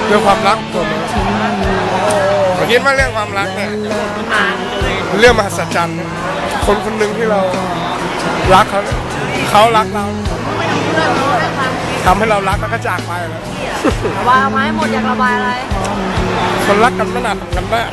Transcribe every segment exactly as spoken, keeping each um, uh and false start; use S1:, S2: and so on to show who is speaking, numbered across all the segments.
S1: เรื่องความรักผมผมคิดว่าเรื่องความรักเนี่ยเรื่องมหัศจรรย์คนคนหนึ่งที่เรารักเขาเขารักเราทำให้เรารักแล้วก็จากไปแล้ว
S2: ระบายออกมาให้หมดอยากระบายอะไร
S1: คนรักกันไม่นานกันได้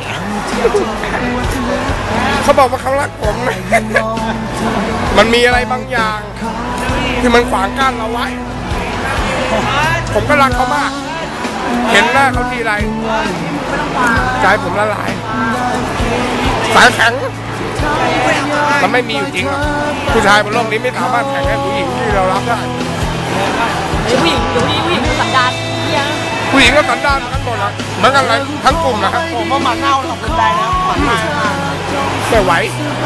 S1: เขาบอกว่าเขารักผมมันมีอะไรบางอย่างที่มันขวางกั้นเราไว้ผมก็รักเขามากเห็นหน้าเขาทีไรใจผมละลายสายแข็งมันไม่มีอยู่จริงหรอกผู้ชายบนโลกนี้ไม่สามารถแข่งกับผู้หญิงที่เรารักได้
S2: ผู้หญิงอยู่นี่ผู้หญิงสันดาน
S1: ผู้หญิงก็สันดานทั้งหมดนะเหมือนกันเลยทั้งกลุ่มนะครับ
S3: ผมว่าหมันเน่าสองคนได้แล้วหมันเน่า
S1: ไม่ไหว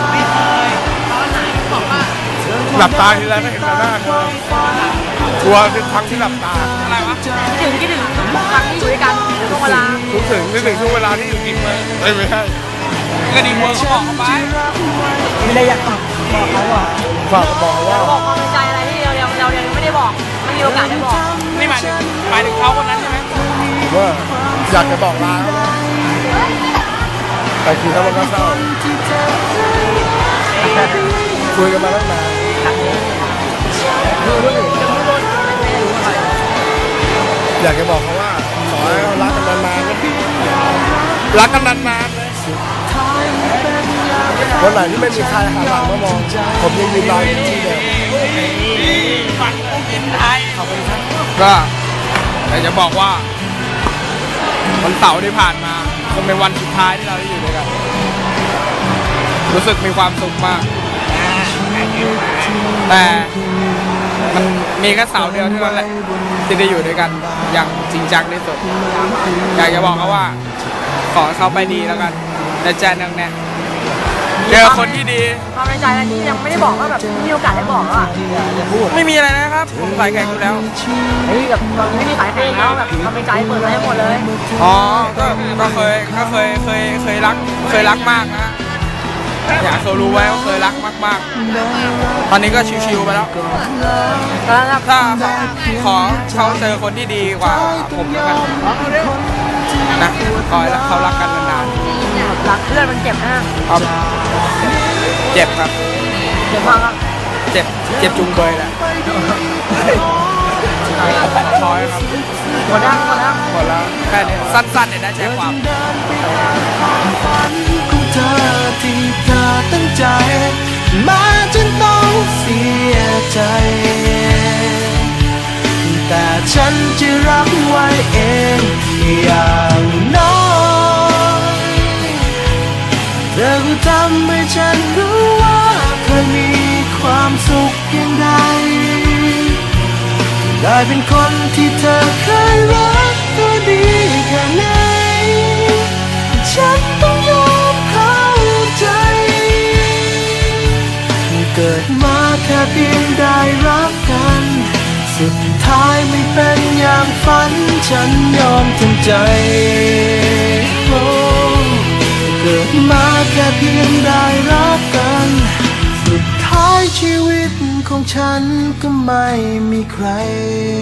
S1: หลับตาทีไรก็เห็นแต่หน้าเธอกลัวทุกครั้งที่หลับตา
S3: อะไรวะ
S2: คิดถึงคิดถึงครั้งที่อยู่ด้วยกันช่วงเวลา
S1: คิดถึงคิดถึงช่วงเวลาที่อยู่กินมาไม่ไม่ใช่
S3: ก็ดีเวิร์กบอกเขาไป
S2: มีอะไรอยากบอกบอกเขาอ่ะ
S1: ฝากบอกว่า
S2: บอกความในใจอะไรที่เราเราเรายังไม่ได้บอกไม่มีโอกาสได้บอก
S3: นี่หมายถึงหมายถึงเขาคนนั้นใช่ไหม
S1: ว่าอยากจะบอกลาเขาแต่คือเขาก็เศร้าคุยกันมาตั้งนานอยากจะบอกเขาว่าขอให้รักกันนานๆรักกันนานๆเลยวันไหนที่ไม่มีใครหันหลังมามองผมยังยืนรออยู่ที่เดิม
S3: ฝันเห็นไทย
S1: ขอบคุณครับ
S3: ก็อยากจะบอกว่าวันเสาร์ที่ผ่านมาคงเป็นวันสุดท้ายที่เราได้อยู่ด้วยกันรู้สึกมีความสุขมากแต่มันมีแค่เสาร์เดียวเท่านั้นแหละที่ได้อยู่ด้วยกันอย่างจริงจังที่สุดอยากจะบอกเขาว่าขอเขาไปดีแล้วกันแต่แจ้งแน่เจอคนที่ดี
S2: ความในใจอะไรที่ยังไม่ได้บอกว่าแบบมีโอกาสได้บอกอ่ะ
S3: ไม่มีอะไรนะครับผมสายแข่งอยู่แล้ว
S2: เฮ้ยแบบไม่มีสายแข่งแล้วแบบความในใจเปิดให้หมดเลย
S3: อ๋อก็ก็เคยก็เคยเคยเคยรักเคยรักมากนะอยากเขารู้ไว้ว่าเคยรักมากๆตอนนี้ก็ชิวๆไปแล้วถ้าขอเขาเจอคนที่ดีกว่าผมแล้วกันนะขอให้เขารักกันนาน
S2: ๆรักเพื่อนมันเจ็บนะครับ
S3: เจ็บครับ
S2: เจ็บมากครับ
S3: เจ็บเจ็บจุงเบยแหละพอครับ
S2: หมดแล้วหมดแล้ว
S3: หมดแล้วแค่นี้สั้นๆเนี่ยได้ใจความ
S4: เธอที่เธอตั้งใจมาจนต้องเสียใจแต่ฉันจะรับไว้เองอย่างน้อยเธอก็ทำให้ฉันรู้ว่าเคยมีความสุขเพียงใดได้เป็นคนที่เธอเคยรักตัวดีแค่ไหนฉันต้องยอมเข้าใจเกิดมาแค่เพียงได้รักกันสุดท้ายไม่เป็นอย่างฝันฉันยอมทำใจโอ้เกิดมาแค่เพียงได้รักกันสุดท้ายชีวิตของฉันก็ไม่มีใคร